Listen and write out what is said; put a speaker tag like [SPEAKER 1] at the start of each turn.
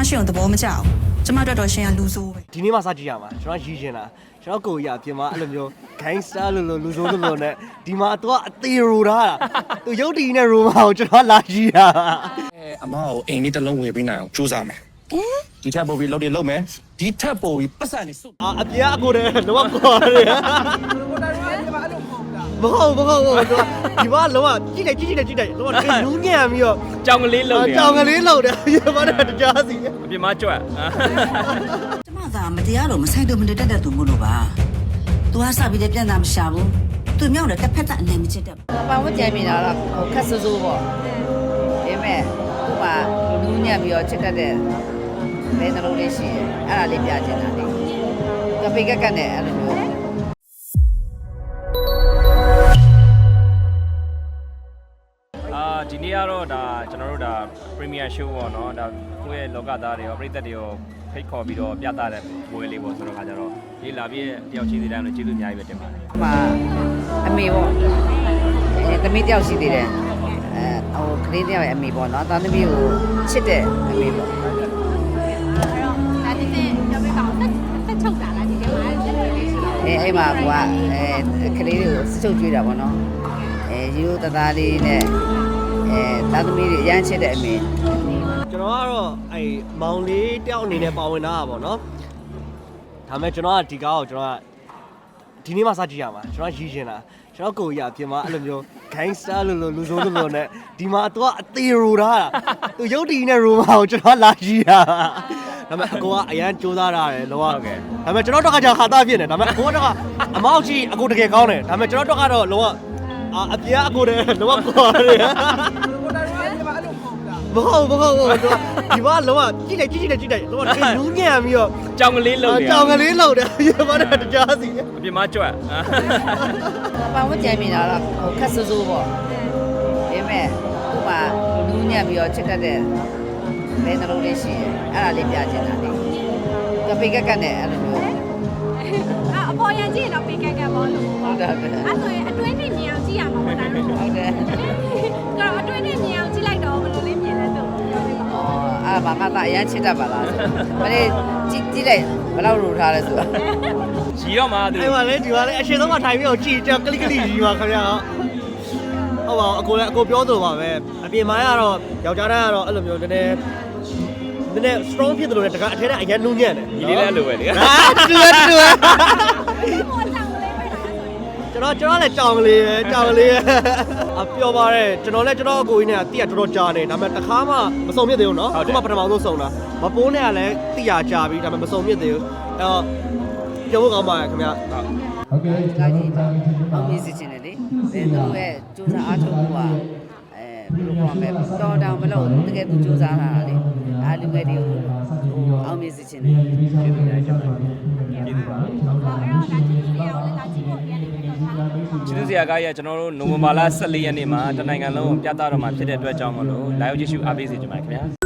[SPEAKER 1] ရှင်ကိုသဘောမကျဘူးကျမတို့တော့ရှင်ကလူဆိုးပဲ
[SPEAKER 2] ဒီနေ့မှစကြည့်ရမှာကျွန်တော်ရည်ချင်တာကျွန်တော်ကိုကြီးအပြင်မှာအဲ့လိုမျိုး gangster လို့လူဆိုးလို့နဲ့ဒီမှာတော့အသေးရိုထားတာသူရုပ်တည်နဲ့ရိုမာကိုကျွန်တော်လာကြည့်တာ
[SPEAKER 3] အမကိုအိမ်လေးတစ်လုံးဝယ်ပေးနိုင်အောင်ကြိုးစားမယ်ဒီထက်ပိုပြီးလုပ်တယ်လုပ်မယ်ဒီထက်ပိုပြီးပတ်စံနေစု
[SPEAKER 2] အပြင်အကိုတည်းတော့ခေါ်တယ်မဟုတ်ဒီမှာလောကကြည့်လိုက်လောကနူးညံ့ပြီးတော့
[SPEAKER 4] ကြောင်ကလေးလုံတယ်
[SPEAKER 2] ကြောင်ကလေးလုံတယ်ရပါတော့တရားစီ
[SPEAKER 4] အပြင်မှာကြွက်
[SPEAKER 5] ကျမသာမတရားလို့မဆိုင်တော့မတက်တဲ့သူမို့လို့ပါ။ तू ကစပြီးတဲ့ပြန်တာမရှာဘူး။ तू မြောက်တယ်တစ်ဖက်သက်အနေမချစ်တဲ့။
[SPEAKER 6] ပတ်ဝန်းကျင်မိတာတော့ဟိုခက်ဆူဆူပေါ့ဒါပေမဲ့သူ့မှာနူးညံ့ပြီးတော့ချစ်တတ်တဲ့ဘယ်နှလုံးလေးရှိရဲ့အဲ့ဒါလေးပြချင်တာလေကပိကက်ကက်နဲ့အဲ့လိုမျိုး
[SPEAKER 4] ဒီနေ့ကတော့ဒါကျွန်တော်တို့ဒါ Premier Show ပေါ့နော်ဒါကိုယ့်ရဲ့လောကသားတွေရောပြည်သက်တွေရောဖိတ်ခေါ်ပြီးတော့ပြသတဲ့ပွဲလေးပေါ့ဆိုတော့ခါကြတော့ဒီလာပြည့်တယောက်ချင်းစီတိုင်းလို့ကျေးဇူးအများကြီးပဲတင်ပါတယ်
[SPEAKER 6] ဟိုမှာအမေပေါ့သမီးတယောက်ရှိသေးတယ်ဟိုကလေးတယောက်ရဲ့အမေပေါ့နော်သားသမီးကိုချစ်တဲ့အမေပေါ့
[SPEAKER 7] ဒါဒီနေ့ပြောပြပါဦးဆက်ချုပ်တာလားဒီထဲမှာ
[SPEAKER 6] အဲ့မှာကွာကလေးတွေကိုစချုပ်ကြွေးတာပေါ့နော်ရိုးရိုးသားသားလေးနဲ့သားသမီးတွေအရန်ချစ်တဲ့အမေ
[SPEAKER 2] ကျွန်တော်ကတော့အဲ့မောင်လေးတယောက်အနေနဲ့ပါဝင်တာပါနော်ဒါပေမဲ့ကျွန်တော်ကဒီကားကိုကျွန်တော်ကဒီနေ့မှစကြည့်ရမှာကျွန်တော်ရည်ချင်တာကျွန်တော်ကိုကြီးအပြင်မှာအဲ့လိုမျိုး gangster လို့လူဆိုးလို့နဲ့ဒီမှာတော့အသေးရိုထားတာသူရုပ်တည်နဲ့ရိုမာကိုကျွန်တော်လာကြည့်တာဒါပေမဲ့အကိုကအရန်စူးစမ်းရတယ်လောကဒါပေမဲ့ကျွန်တော်တော့ကကြာခါသားဖြစ်နေဒါပေမဲ့အကိုကတော့အမောက်ကြီးအကိုတကယ်ကောင်းတယ်ဒါပေမဲ့ကျွန်တော်တော့ကတော့လောကအပြင်အကိုတည်းလောကခေါ်တယ်မဟုတ်ဒီမှာလောကကြည့်လိုက်လောကနူးညံ့ပြီးတော့
[SPEAKER 4] ကြောင်ကလေးလုံတယ်
[SPEAKER 2] ကြောင်ကလေးလုံတယ်ရပါတော့တရားစီ
[SPEAKER 4] အပြင်မှာကြွက်
[SPEAKER 6] ပတ်ဝန်းကျင်မိတာတော့ဟိုခက်ဆူဆူပေါ့ဒါပေမဲ့သူ့မှာနူးညံ့ပြီးတော့ချစ်တတ်တဲ့ဘယ်နှလုံးလေးရှိရဲ့အဲ့ဒါလေးပြချင်တာလေကပိကက်ကက်နဲ့အဲ့လိုမျိုး
[SPEAKER 7] အပေါ်ရကြည့်တော့ပေးကက်ကက်ပေါ့လို့
[SPEAKER 6] ဟုတ်တယ်ဟုတ်တယ်
[SPEAKER 7] အဲ့ဆိုရင်အတွင်းနဲ့မြင်အောင်ကြည့်ရမှာပေါ့ဒါတော့
[SPEAKER 6] ဟုတ်တယ်
[SPEAKER 7] ကတော့အတွင်းနဲ့မြင်အောင်ကြည့်လိုက်တော့ဘယ်လိုလေးမြင်လဲသူပြောပြပါဦး
[SPEAKER 6] အဲ့ဘာမှသာအရန်ချစ်တတ်ပါလားမလေးကြည့်လိုက်ဘယ်လောက်ရူထားလဲဆိုတာ
[SPEAKER 4] ရီတော့မှသူ
[SPEAKER 2] အဲ့မှာလေဒီမှာလေအရှင်ဆုံးမထိုင်ပြီးတော့ကြည်ကြောက်ကလိကလိကြီးပါခင်ဗျာဟုတ်ပါအကိုလည်းအကိုပြောသလိုပါပဲအပြင်မှာကတော့ယောက်ျားတိုင်းကတော့အဲ့လိုမျိုးနည်းနည်း strong ဖြစ်တယ်လို့လည်းတကအထက်ကအရင်နူးညံ့တယ်
[SPEAKER 4] ဒီလေးလည်းလိုပဲလေ
[SPEAKER 2] တူ
[SPEAKER 7] ပေါ်ဆောင်လေးပဲလားဆိုရင်
[SPEAKER 2] ကျွန်တော်လည်းကြောင်ကလေးပဲအပျော်ပါတယ်ကျွန်တော်လည်းကျွန်တော်အကိုကြီးနဲ့တိရတော်တော်ကြာနေဒါပေမဲ့တစ်ခါမှမစုံမြစ်သေးဘူးเนาะအခုမှပထမဆုံးစုံတာမပိုးနဲ့ကလည်းတိရကြာပြီဒါပေမဲ့မစုံမြစ်သေးဘူးအဲ့တော့ပြောဖို့ကောင်းပါတယ်ခင်ဗျာ
[SPEAKER 6] ဟုတ်ကဲ့ကျွန်တော်တို့အောင်မြင်စေချင်တယ်လေဘယ်သူရဲ့စူးစမ်းအားထုတ်မှုကဘယ်လိုပြောမလဲတော်တောင်မလို့တကယ်သူစူးစမ်းလာတာလေအားလူငယ်တွေကိုအောင်မြင်စေချင်တယ်
[SPEAKER 7] အဲ့တော့ဒါကြည့်လို့ရအောင်လည်းဒါကြည့်ဖို့ပြန်နေပြီးတော့ထားလို့
[SPEAKER 4] ကျေးဇူးဆရာကကြီးကကျွန်တော်တို့နိုဝင်ဘာလ14ရက်နေ့မှာတနိုင်ငံလုံးပြသတော့မှာဖြစ်တဲ့အတွက်ကြောင့်မလို့လာရောက်ကြည့်ရှုအားပေးစေချင်ပါတယ်ခင်ဗျာ